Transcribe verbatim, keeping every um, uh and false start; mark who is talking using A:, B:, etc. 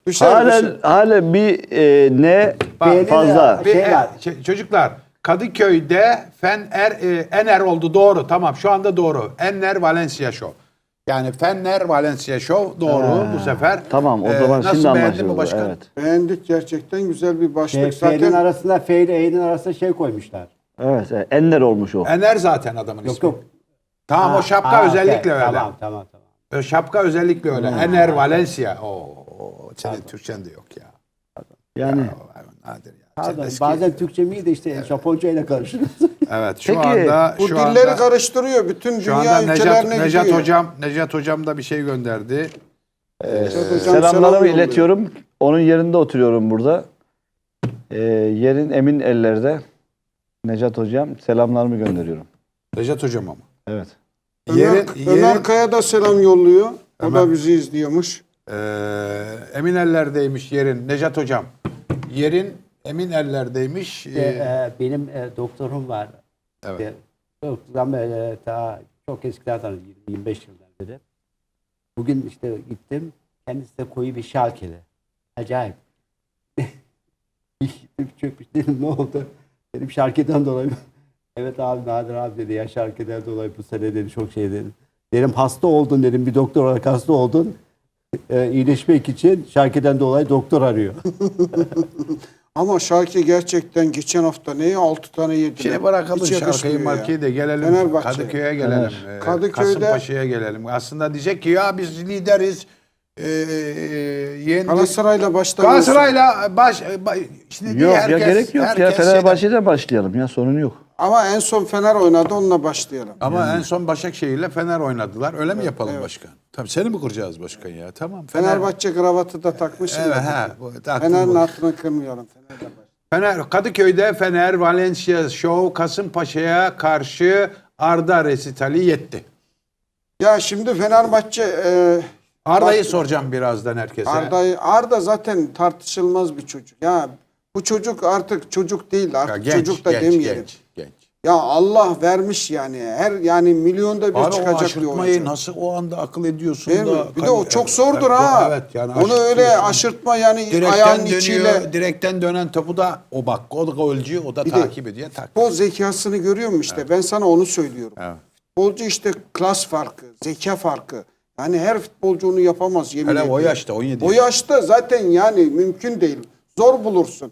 A: Düşer,
B: Halen,
A: düşer.
B: halen bir e, ne
C: Bak,
B: fazla.
C: Bir,
A: Şey
C: e,
A: var.
C: ç- çocuklar Kadıköy'de Fener e, Ener oldu doğru tamam şu anda doğru. Enner Valencia Show. Yani Fener Valencia Show doğru
B: Ha,
C: bu sefer.
B: tamam, o
C: E,
B: zaman
C: nasıl
B: şimdi
C: beğendin mi
B: anlaşıldı.
C: başkan?
B: Evet.
A: Beğendik, gerçekten güzel bir başlık.
D: Şey, F'nin
A: Zaten
D: arasında F ile E'nin arasında şey koymuşlar.
B: Evet, evet. Enler olmuş o.
C: Ener zaten adamın
D: Yok
C: ismi.
D: yok.
C: Tamam o
D: Ha,
C: şapka
D: ha,
C: özellikle
D: okey.
C: öyle.
D: Tamam tamam tamam.
C: O şapka özellikle öyle. Ener Valencia. Oo, senin Türkçen de yok ya.
B: Yani
C: Ya, nadir ya. Sen
D: Pardon,
C: eski-
D: bazen Türkçem iyi de işte Japonca ile karıştırıyoruz.
C: Evet şu
B: Peki,
C: anda
A: bu
C: şu
A: dilleri
C: anda,
A: karıştırıyor. Bütün
C: şu
A: dünya
C: anda Necat,
A: ülkelerine
C: Necat
A: gidiyor.
C: hocam Necat hocam da bir şey gönderdi.
A: Necat hocam
B: selamlarımı
A: selam yolluyor.
B: iletiyorum. Onun yerinde oturuyorum burada. Ee, yerin emin ellerde. Necat hocam selamlarımı gönderiyorum.
C: Necat hocam ama.
B: Evet.
A: Ömer,
C: Yerin,
A: Ömer
C: yerin
A: Kaya da selam yolluyor. O
C: Ömer-
A: da bizi izliyormuş.
C: eee, emin ellerdeymiş yerin. Necat hocam. Yerin emin ellerdeymiş.
D: İşte,
C: Eee,
D: e, benim e, doktorum var.
C: evet.
D: İşte, çok zaman e, ta çok eskilerden yirmi yirmi beş yıldan beri. Bugün işte gittim. Kendisi de koyu bir Schalke'li. Acayip. Çökmüş dedim ne oldu? Dedim Schalke'den dolayı. Evet abi Nadir abi dedi ya Schalke'den dolayı bu sene dedi çok şey dedim. Dedim hasta oldun dedim bir doktor olarak hasta oldun. E, iyileşmek için Schalke'den dolayı doktor arıyor.
A: Ama Şarkı gerçekten geçen hafta neye altı tane yedi.
C: Şimdi bırakalım
A: Hiç
C: şarkıyı
A: yakışmıyor ya.
C: markayı da gelelim
A: Fenerbahçe.
C: Kadıköy'e gelelim. Eee,
A: Kadıköy'de-
C: Kasımpaşa'ya gelelim. Aslında diyecek ki ya biz lideriz. Eee yendik.
A: Galatasaray'la başta
C: Galatasaray'la baş ba- şimdi
B: Yok
C: herkes,
B: ya gerek yok ya.
C: herkes şeyden-
B: Fenerbahçe'den başlayalım ya sorun yok.
A: Ama en son Fener oynadı, onunla başlayalım.
C: Ama en son Başakşehir'le Fener oynadılar. Öyle mi yapalım başkan? Tabii seni mi kuracağız başkan ya? Tamam. Fener,
A: Fenerbahçe kravatı da takmışsın.
C: Evet,
A: da.
C: ha, bu- taktım
A: Fener'in
C: bu.
A: altını kırmayalım. Fener'le baş-
C: Fener Kadıköy'de Fener Valencia Show Kasımpaşa'ya karşı Arda resitali yetti.
A: Ya şimdi Fenerbahçe e,
C: Arda'yı
A: bak-
C: soracağım birazdan herkese.
A: Arda'yı Arda zaten tartışılmaz bir çocuk. Ya bu çocuk artık çocuk değil.
C: Ya
A: Artık
C: genç,
A: çocuk da
C: genç,
A: demeyelim.
C: genç, genç.
A: Ya Allah vermiş yani. Her yani milyonda bir
C: Abi o
A: çıkacak bir
C: aşırtmayı
A: oyuncu.
C: nasıl o anda akıl ediyorsun
A: Değil mi?
C: da.
A: Bir de o
C: hani-
A: çok zordur
C: evet,
A: ha.
C: Evet yani
A: Onu öyle
C: aşırtıyorsun.
A: aşırtma yani
C: Direkten
A: ayağın
C: dönüyor,
A: içiyle.
C: direkten dönen topu da o bak o da golcü o da
A: Bir de
C: takip ediyor. Tak.
A: Futbol zekasını görüyor musun işte? Ben sana onu söylüyorum.
C: Evet.
A: Futbolcu işte klas farkı, zeka farkı. Yani her futbolcu onu yapamaz yemin
C: Hele o
A: ediyorum.
C: yaşta on yedi
A: O yaşta zaten yani mümkün değil. Zor bulursun.